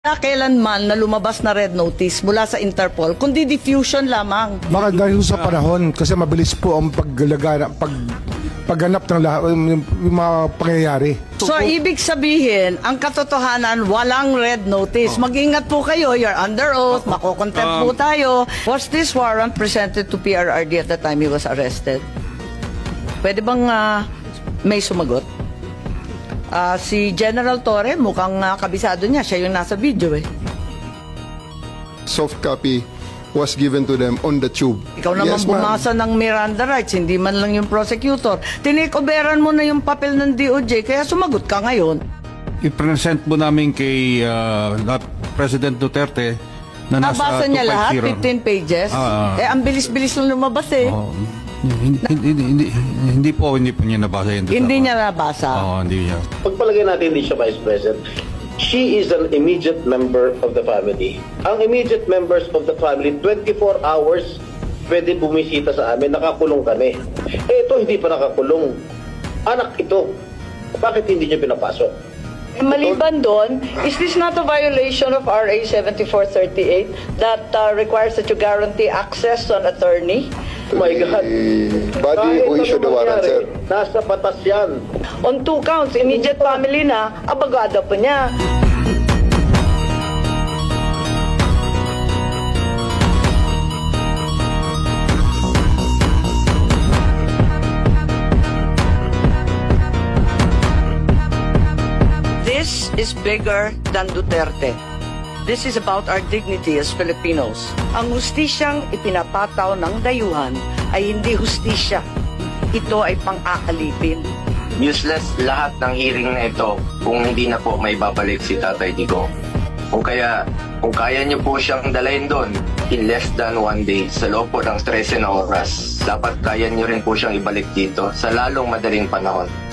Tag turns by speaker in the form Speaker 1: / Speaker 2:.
Speaker 1: Kailanman na lumabas na red notice mula sa Interpol, kundi diffusion lamang.
Speaker 2: Baka dahil sa panahon, kasi mabilis po ang pagganap ng yung mga pangyayari.
Speaker 1: So, ibig sabihin, ang katotohanan, walang red notice. Mag-ingat po kayo, you're under oath, makokontempt po tayo. Was this warrant presented to PRRD at the time he was arrested? Pwede bang may sumagot? Si General Torre, mukhang kabisado niya. Siya yung nasa video eh.
Speaker 3: Soft copy was given to them on the tube.
Speaker 1: Ikaw naman
Speaker 3: Yes, ma'am.
Speaker 1: bumasa ng Miranda rights, hindi man lang yung prosecutor. Tinikoberan mo na yung papel ng DOJ, kaya sumagot ka ngayon.
Speaker 4: I-present mo namin kay President Duterte na nasa
Speaker 1: Nabasa niya lahat,
Speaker 4: 250.
Speaker 1: 15 pages. Ang bilis-bilis lang lumabas eh.
Speaker 4: Oh, hindi po niya nabasa yun.
Speaker 1: Hindi niya nabasa.
Speaker 4: Oo, hindi niya.
Speaker 5: Pagpalagay natin hindi siya Vice President, she is an immediate member of the family. Ang immediate members of the family, 24 hours pwede bumisita sa amin, nakakulong kami. Ito hindi pa nakakulong. Anak ito. Bakit hindi niya pinapasok?
Speaker 1: Maliban doon, is this not a violation of RA 7438 that requires that you guarantee access to an attorney?
Speaker 5: Oh my God.
Speaker 3: Body
Speaker 5: Kahit
Speaker 3: who issued the
Speaker 5: ano
Speaker 3: warrant,
Speaker 5: mangyari,
Speaker 3: sir.
Speaker 5: nasa batas yan.
Speaker 1: On 2 counts, immediate family na, abagada pa niya. This is bigger than Duterte. This is about our dignity as Filipinos. Ang hustisyang ipinapataw ng dayuhan ay hindi hustisya. Ito ay pang-akalipin.
Speaker 6: Useless lahat ng hearing na ito kung hindi na po may babalik si Tatay Digong. Kung kaya niyo po siyang dalayin doon in less than 1 day sa loob po ng 13 na oras, dapat kaya niyo rin po siyang ibalik dito sa lalong madaling panahon.